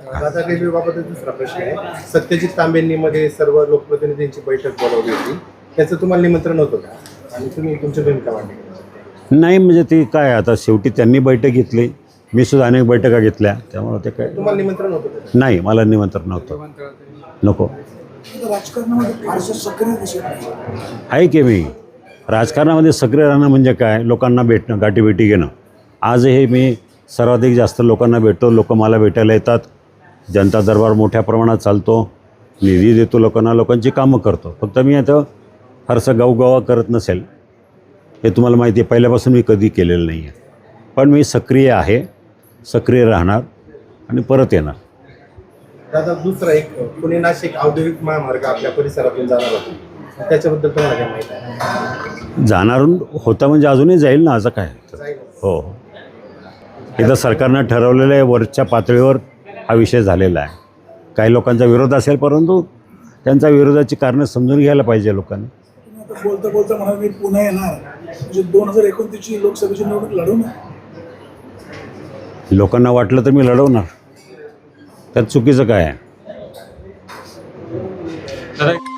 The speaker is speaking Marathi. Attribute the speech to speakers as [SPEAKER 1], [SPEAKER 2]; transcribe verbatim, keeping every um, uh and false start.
[SPEAKER 1] दादा रेल्वेबाबत दुसरा प्रश्न आहे. सत्यजित तांबेंनी मध्ये सर्व लोकप्रतिनिधींची बैठक बोलावली होती, त्याचं तुम्हाला निमंत्रण होतं का आणि तुम्ही तुमची भूमिका मांडली?
[SPEAKER 2] नाही, म्हणजे ती काय आता शेवटी त्यांनी बैठक घेतली, मी सुद्धा अनेक बैठका घेतल्या, त्यामुळे ते काय
[SPEAKER 1] तुम्हाला निमंत्रण होतं का?
[SPEAKER 2] नाही, मला निमंत्रण नव्हतं. नको
[SPEAKER 3] राजकारणामध्ये फारसं सक्रिय दिसत नाही.
[SPEAKER 2] आहे की मी राजकारणामध्ये सक्रिय राहणं म्हणजे काय, लोकांना भेटणं, गाठीभेटी घेणं. आजही मी सर्वाधिक जास्त लोकांना भेटतो, लोक मला भेटायला येतात, जनता दरबार मोठ्या प्रमाणात चालतो, निधी देतो लोकांना, लोकांची कामं करतो. फक्त मी आता फारसं गावगावा करत नसेल हे तुम्हाला माहिती आहे, पहिल्यापासून मी कधी केलेलं नाही आहे. पण मी सक्रिय आहे, सक्रिय राहणार आणि परत येणार.
[SPEAKER 1] दादा दुसरा एक पुणे नाशिक औद्योगिक महामार्ग आपल्या परिसरातून जाणार होता, त्याच्याबद्दल तुम्हाला काय माहिती आहे?
[SPEAKER 2] जाणार होता म्हणजे अजूनही जाईल ना, असं काय. हो, इथं सरकारनं ठरवलेलं आहे, वरच्या पातळीवर हा विषय झालेला आहे. काही लोकांचा विरोध असेल, परंतु त्यांचा विरोधाची कारणं समजून घ्यायला पाहिजे लोकांनी.
[SPEAKER 3] तुम्ही आता बोलता बोलता म्हणा मी पुन्हा येणार, म्हणजे दोन हजार एकोणतीसची लोकसभेची निवडणूक लढवणार.
[SPEAKER 2] लोकांना वाटलं तर मी लढवणार, त्यात चुकीचं काय आहे?